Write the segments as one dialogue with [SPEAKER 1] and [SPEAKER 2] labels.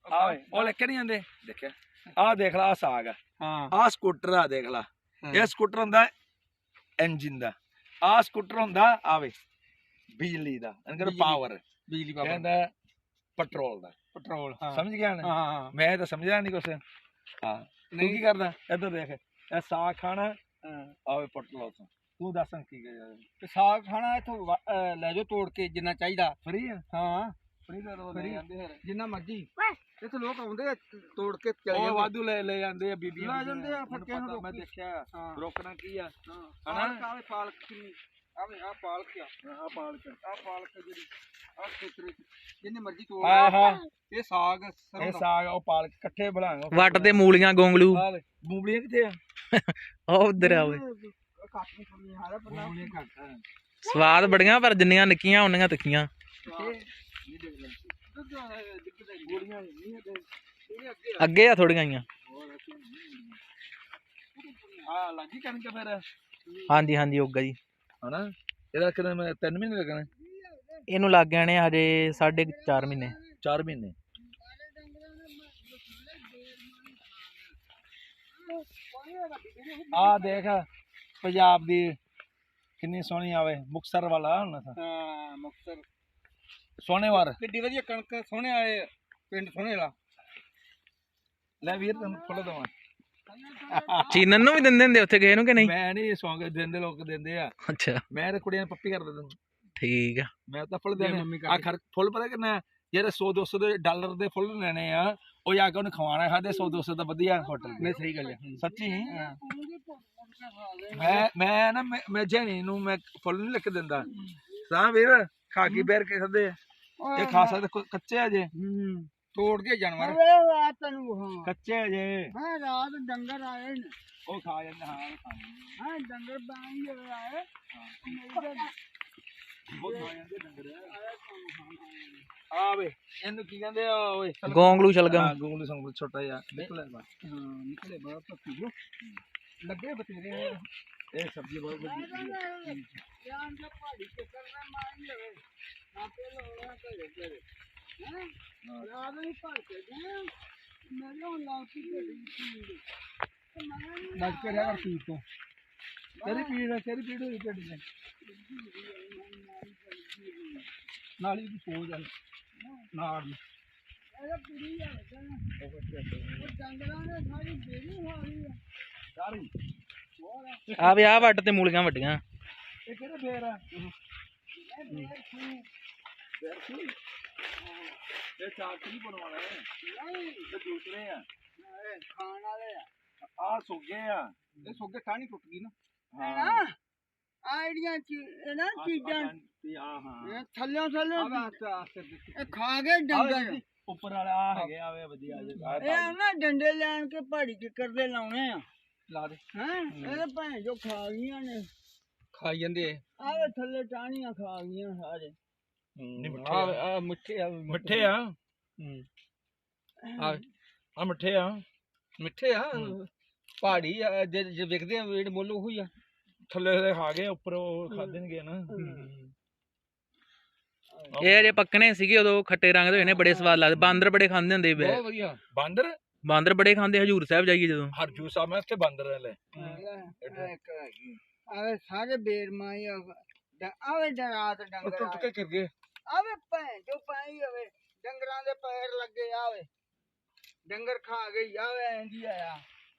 [SPEAKER 1] ਉਹ ਲੈ ਕੇ ਨਹੀਂ ਆਂਦੇ ਦੇਖਿਆ ਆਹ ਦੇਖ ਲਾ, ਆਹ ਸਾਗ ਆ, ਆਹ ਸਕੂਟਰ ਆ ਦੇਖ ਲਾ, ਇਹ ਸਕੂਟਰ ਹੁੰਦਾ ਇੰਜਨ ਦਾ, ਆਹ ਸਕੂਟਰ ਹੁੰਦਾ ਆਵੇ ਬਿਜਲੀ ਦਾ, ਪਾਵਰ ਬਿਜਲੀ ਕਹਿੰਦਾ ਪੈਟਰੋਲ ਦਾ, ਪੈਟਰੋਲ ਸਮਝ ਗਿਆ ਨਾ? ਮੈਂ ਤਾਂ ਸਮਝਿਆ ਨਹੀਂ ਕੁਛ। ਹਾਂ ਤੂੰ ਕੀ ਕਰਦਾ? ਇੱਧਰ ਦੇਖ, ਇਹ ਸਾਗ ਖਾਣਾ ਆਵੇ ਪੈਟਰੋਲ ਤੋਂ, ਤੂੰ ਦੱਸ ਕੀ ਕਰ? ਸਾਗ ਖਾਣਾ ਇੱਥੋਂ ਲੈ ਜਾਓ ਤੋੜ ਕੇ ਜਿੰਨਾ ਚਾਹੀਦਾ, ਫਰੀ ਆ। ਹਾਂ ਫਰੀ ਦਾ ਲੈ ਜਾਂਦੇ ਫਿਰ ਜਿੰਨਾ ਮਰਜੀ, ਇੱਥੇ ਲੋਕ ਆਉਂਦੇ ਆ ਤੋੜ ਕੇ ਚਲੇ ਵਾਧੂ ਲੈ ਜਾਂਦੇ ਆ, ਬੀਬੀਆਂ ਲੈ ਜਾਂਦੇ ਆ, ਫੱਕੇ ਨੂੰ ਮੈਂ ਦੇਖਿਆ। ਰੋਕਣਾ ਕੀ ਆ ਹਨਾ? ਆਵੇ ਪਾਲਕ ਕਿੰਨੀ, ਆਵੇ ਆ ਪਾਲਕ ਆ, ਆ ਪਾਲਕ, ਆ ਪਾਲਕ ਜਿਹੜੀ ਆ ਖੇਤਰੇ ਜਿੰਨੇ ਮਰਜੀ ਤੋੜ। ਇਹ ਸਾਗ, ਇਹ ਸਾਗ ਉਹ ਪਾਲਕ ਇਕੱਠੇ ਬਣਾਓ।
[SPEAKER 2] ਵੱਟ ਤੇ ਮੂਲੀਆਂ ਗੋਂਗਲੂ,
[SPEAKER 1] ਮੂਲੀਆਂ ਕਿੱਥੇ ਆ?
[SPEAKER 2] ਉਹ ਉਧਰ ਆਵੇ। ਸਵਾਦ ਬੜੀਆਂ ਪਰ ਜਿੰਨੀਆਂ ਨਿੱਕੀਆਂ ਉਨੀਆਂ ਤਿੱਖੀਆਂ। ਅੱਗੇ ਆ ਥੋੜੀਆਂ ਹੀ। ਹਾਂਜੀ ਹਾਂਜੀ ਹੋਗਾ ਜੀ ਹਨਾ। ਇਹਦਾ ਕਿੰਨੇ 3 ਮਹੀਨੇ ਲੱਗਣੇ? ਇਹਨੂੰ ਲੱਗ ਜਾਣੇ ਹਜੇ 4.5 ਮਹੀਨੇ। 4 ਮਹੀਨੇ। ਆ ਦੇਖ ਪੰਜਾਬ ਦੀ ਕਿੰਨੀ ਸੋਹਣੀ ਆਵੇ, ਮੁਕਤਸਰ ਵਾਲਾ ਹੁਣ। ਹਾਂ ਮੁਕਤਸਰ ਸੋਹਣੇਵਾਰ ਕਿੱਡੀ ਵਧੀਆ ਕਣਕ, ਸੋਹਣੇ ਵਾਲੇ ਪਿੰਡ ਸੋਹਣੇ ਵਾਲਾ। ਲੈ ਵੀਰ ਤੈਨੂੰ ਫੁੱਲ ਦਵਾਂ। ਚੀਨਨ ਨੂੰ ਵੀ ਦਿੰਦੇ ਹੁੰਦੇ ਉੱਥੇ ਗਏ ਨੂੰ ਕਿ ਨਹੀਂ? ਮੈਂ
[SPEAKER 1] ਨਹੀਂ ਸੌਂਗ ਦਿੰਦੇ, ਲੋਕ ਦਿੰਦੇ ਆ।
[SPEAKER 2] ਅੱਛਾ
[SPEAKER 1] ਮੈਂ ਤੇ ਕੁੜੀਆਂ ਨੂੰ ਪੱਪੀ ਕਰ ਦਿੰਦਾ। ਠੀਕ ਆ। ਮੈਂ ਤਾਂ ਫੁੱਲ ਦੇਣੇ ਆ। ਫੁੱਲ ਪਤਾ ਕਿੰਨਾ? ਜਿਹੜੇ 100-200 ਦੇ ਡਾਲਰ ਦੇ ਫੁੱਲ ਲੈਣੇ ਆ, ਉਹ ਜਾ ਕੇ ਉਹਨੇ ਖਵਾਉਣਾ। ਖਾਦੇ 100-200 ਦਾ ਵਧੀਆ ਹੋਟਲ। ਨਹੀਂ ਸਹੀ ਗੱਲ ਹੈ ਸੱਚੀ। ਮੈਂ ਨਾ ਮੈਂ ਜੈਨੀ ਨੂੰ ਮੈਂ ਫੁੱਲ ਨਹੀਂ ਲਿਖ ਦਿੰਦਾ। ਤਾਂ ਵੀਰ ਖਾ ਕੇ ਬੈਰ ਕੇ ਖਾਦੇ ਇਹ ਖਾ ਸਕਦੇ, ਕੱਚੇ ਆ ਜੇ ਤੋੜ ਕੇ ਜਾਨਵਰ ਕੱਚੇ ਆ ਜੇ। ਰਾਤ ਡੰਗਰ ਆਏ ਨੇ ਉਹ ਖਾ ਜਾਂਦੇ। ਹਾਂ ਡੰਗਰ ਆਏ ਆਵੇ ਇਹਨੂੰ ਕੀ ਕਹਿੰਦੇ ਆ ਓਏ?
[SPEAKER 2] ਗੋਂਗਲੂ ਸ਼ਲਗਮ।
[SPEAKER 1] ਗੋਂਗਲੂ ਸ਼ਲਗਮ ਛੋਟਾ ਜਿਹਾ ਨਿਕਲੇ ਨਿਕਲੇ ਬਹੁਤ ਲੱਗੇ ਬਤੇਰੇ। ਇਹ ਸਬਜ਼ੀ ਬਹੁਤ ਵਧੀਆ। ਲੱਗ ਕੇ ਰਿਹਾ ਕਰ ਪੀੜ ਤੋਂ। ਤੇਰੀ ਪੀੜ ਹੋਈ ਢਿੱਡ ਚ ਨਾਲੀ ਦੀ ਸੋਜ ਆ ਨਾੜ ਨੂੰ।
[SPEAKER 2] ਆ ਵੀ ਆ ਵੱਟ ਤੇ ਮੂਲੀਆਂ ਵੱਡੀਆਂ।
[SPEAKER 1] ਇਹ ਕਿਹੜੇ ਬੇਰ ਆ? ਇਹ ਚਾਕਰੀ ਬਣਵਾਉਣਾ ਹੈ। ਇਹ ਦੂਸਰੇ ਆ ਖਾਣ ਵਾਲੇ ਆ। ਆ ਸੁੱਗੇ ਆ। ਇਹ ਸੁੱਗੇ ਟਾਹਣੀ ਟੁੱਟ ਗਈ ਨਾ। ਹਾਂ ਆਈਡੀਆਂ ਨਾ ਚੀਜ਼ਾਂ ਥੱਲੇ ਇਹ ਖਾ ਗਏ ਡੰਗਰ। ਉੱਪਰ ਵਾਲੇ ਆ ਹੈਗੇ ਆਵੇ ਵਧੀਆ। ਇਹ ਨਾ ਡੰਡੇ ਲੈਣ ਕੇ ਪਹਾੜੀ ਕਿੱਕਰ ਦੇ ਲਾਉਣੇ ਆ। ਲਾ ਦੇ। ਹੈਂ ਇਹਦੇ ਭੈਣ ਜੋ ਖਾ ਗਈਆਂ ਨੇ। ਖਾਈ ਜਾਂਦੇ ਆਵੇ ਥੱਲੇ ਟਾਹਣੀਆਂ ਖਾ ਗਈਆਂ ਸਾਰੇ। ਮਿੱਠੇ ਆ ਮਿੱਠੇ ਆ। ਆ ਮਿੱਠੇ ਆ ਮਿੱਠੇ ਆ। ਪਹਾੜੀ ਜੇ ਵਿਕਦੇ ਆ ਜਿਹੜੇ ਮੁੱਲ ਉਹੀ ਆ। ਥੱਲੇ ਖਾ ਗਏ, ਉੱਪਰ ਉਹ ਖਾਦਣਗੇ ਨਾ।
[SPEAKER 2] ਇਹ ਅਜੇ ਪੱਕਣੇ ਸੀਗੇ ਉਦੋਂ, ਖੱਟੇ ਰੰਗ ਦੇ ਹੋਏ ਨੇ, ਬੜੇ ਸਵਾਦ ਲੱਗਦੇ। ਬਾਂਦਰ ਬੜੇ ਖਾਂਦੇ ਹੁੰਦੇ।
[SPEAKER 1] ਬਹੁਤ ਵਧੀਆ। ਬਾਂਦਰ
[SPEAKER 2] ਬੜੇ ਖਾਂਦੇ ਹਜੂਰ ਸਾਹਿਬ ਜਾਈਏ ਜਦੋਂ।
[SPEAKER 1] ਹਜੂਰ ਸਾਹਿਬ ਮੈਂ ਉੱਥੇ ਬਾਂਦਰ ਲੈ ਆਵੇ ਸਾਰੇ ਬੇਰਮਾਈ ਆਵੇ ਰਾਤ ਡੰਗਰ ਟੁੱਟ ਕੇ ਕਰ ਗਏ। ਆਵੇ ਭੈਣ ਜੋ ਪਾਈ ਹੋਵੇ ਡੰਗਰਾਂ ਦੇ ਪੈਰ ਲੱਗੇ ਆਵੇ ਡੰਗਰ ਖਾ ਗਈ ਆਵੇ ਇੰਝ ਆਇਆ।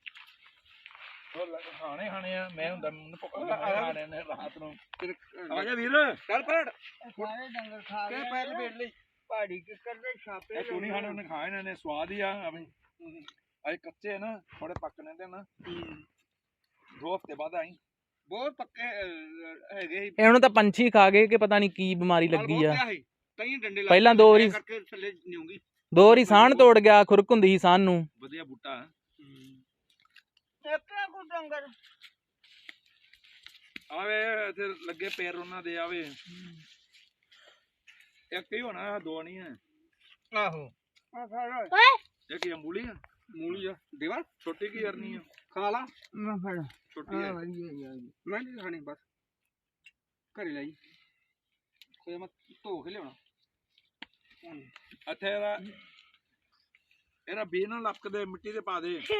[SPEAKER 1] ਖਾਣੇ ਆ। ਮੈਂ ਹੁੰਦਾ ਮੈਨੂੰ ਖਾਣੇ ਨੇ ਰਾਤ ਨੂੰ। ਆ ਜਾ ਵੀਰ ਚੱਲ ਪੜ। ਸਾਰੇ ਡੰਗਰ ਖਾ ਗਏ ਪੈਰ ਲਪੇਟ ਲਈ। ਪਹਾੜੀ ਕਿੱਕਰ ਦੇ ਛਾਪੇ ਤੂੰ ਨਹੀਂ ਖਾਣੇ, ਉਹਨੇ ਖਾਏ ਇਹਨਾਂ ਨੇ। ਸਵਾਦ ਹੀ ਆ। ਅਜੇ ਕੱਚੇ ਨਾ ਥੋੜੇ ਪੱਕਣੇ ਤੇ ਨਾ 2 ਹਫ਼ਤੇ ਬਾਅਦ ਆਈ। ਬਹੁਤ ਪੱਕੇ ਹੈਗੇ।
[SPEAKER 2] ਇਹਨੂੰ ਤਾਂ ਪੰਛੀ ਖਾ ਗਏ ਕਿ ਪਤਾ ਨਹੀਂ ਕੀ ਬਿਮਾਰੀ ਲੱਗੀ ਆ। ਪਹਿਲਾਂ 2 ਵਾਰੀ ਸਾਹਣ ਤੋੜ ਗਿਆ। ਖੁਰਕ ਹੁੰਦੀ ਸੀ ਸਾਹਣ ਨੂੰ।
[SPEAKER 1] ਵਧੀਆ ਬੂਟਾ ਆਵੇ ਇੱਥੇ ਲੱਗੇ ਪੈਰ ਉਹਨਾਂ ਦੇ ਆਵੇ। ਇੱਕ ਹੀ ਹੋਣਾ, 2 ਨਹੀਂ ਹੈ। ਆਹੋ ਇਹ ਕੀ ਮੂਲੀ ਆ? ਮੂਲੀ ਆ ਦੇਵਾ ਛੋਟੀ ਕੀ ਕਰਨੀ ਆ? ਖਾ ਲਾ ਮੈਂ ਫੜ ਛੋਟੀ ਆ। ਮੈਂ ਨਹੀਂ ਖਾਣੀ ਬਸ ਘਰੇ ਲਈ ਕੋਈ ਮੈਂ ਧੋ ਕੇ ਲਿਆਉਣਾ। ਇੱਥੇ ਦਾ ਇਹਦਾ ਬੀਜ ਨਾ ਲੱਪਕ ਦੇ ਮਿੱਟੀ ਦੇ ਪਾ ਦੇ